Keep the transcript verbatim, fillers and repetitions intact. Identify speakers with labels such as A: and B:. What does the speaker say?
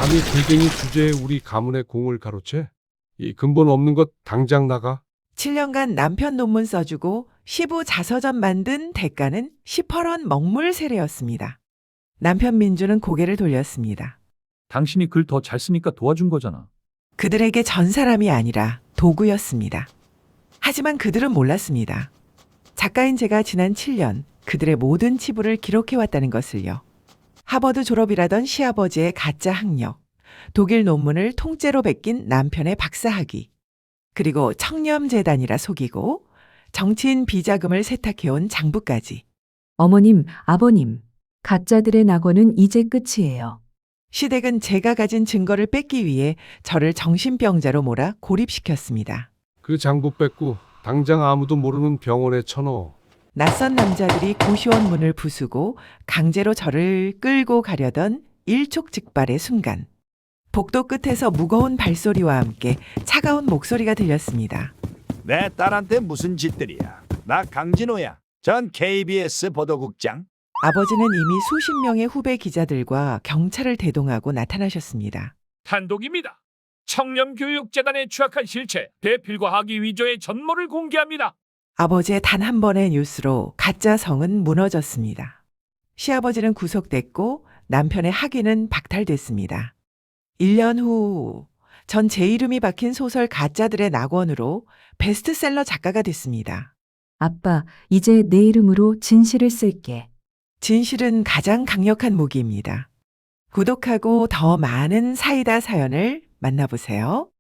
A: 아니, 골뱅이 주제에 우리 가문의 공을 가로채? 이 근본 없는 것 당장 나가.
B: 칠 년간 남편 논문 써주고 시부 자서전 만든 대가는 십팔 원 먹물 세례였습니다. 남편 민주는 고개를 돌렸습니다.
C: 당신이 글 더 잘 쓰니까 도와준 거잖아.
B: 그들에게 전 사람이 아니라 도구였습니다. 하지만 그들은 몰랐습니다. 작가인 제가 지난 칠 년 그들의 모든 치부를 기록해왔다는 것을요. 하버드 졸업이라던 시아버지의 가짜 학력, 독일 논문을 통째로 베낀 남편의 박사학위, 그리고 청렴재단이라 속이고 정치인 비자금을 세탁해온 장부까지.
D: 어머님, 아버님, 가짜들의 낙원은 이제 끝이에요.
B: 시댁은 제가 가진 증거를 뺏기 위해 저를 정신병자로 몰아 고립시켰습니다.
A: 그 장부 뺏고 당장 아무도 모르는 병원에 쳐넣어.
B: 낯선 남자들이 고시원 문을 부수고 강제로 저를 끌고 가려던 일촉즉발의 순간, 복도 끝에서 무거운 발소리와 함께 차가운 목소리가 들렸습니다.
E: 내 딸한테 무슨 짓들이야. 나 강진호야. 전 케이비에스 보도국장.
B: 아버지는 이미 수십 명의 후배 기자들과 경찰을 대동하고 나타나셨습니다.
F: 단독입니다. 청렴교육재단에 추악한 실체, 배필과 학위 위조의 전모를 공개합니다.
B: 아버지의 단 한 번의 뉴스로 가짜 성은 무너졌습니다. 시아버지는 구속됐고 남편의 학위는 박탈됐습니다. 일 년 후, 전 제 이름이 박힌 소설 가짜들의 낙원으로 베스트셀러 작가가 됐습니다.
D: 아빠, 이제 내 이름으로 진실을 쓸게.
B: 진실은 가장 강력한 무기입니다. 구독하고 더 많은 사이다 사연을 만나보세요.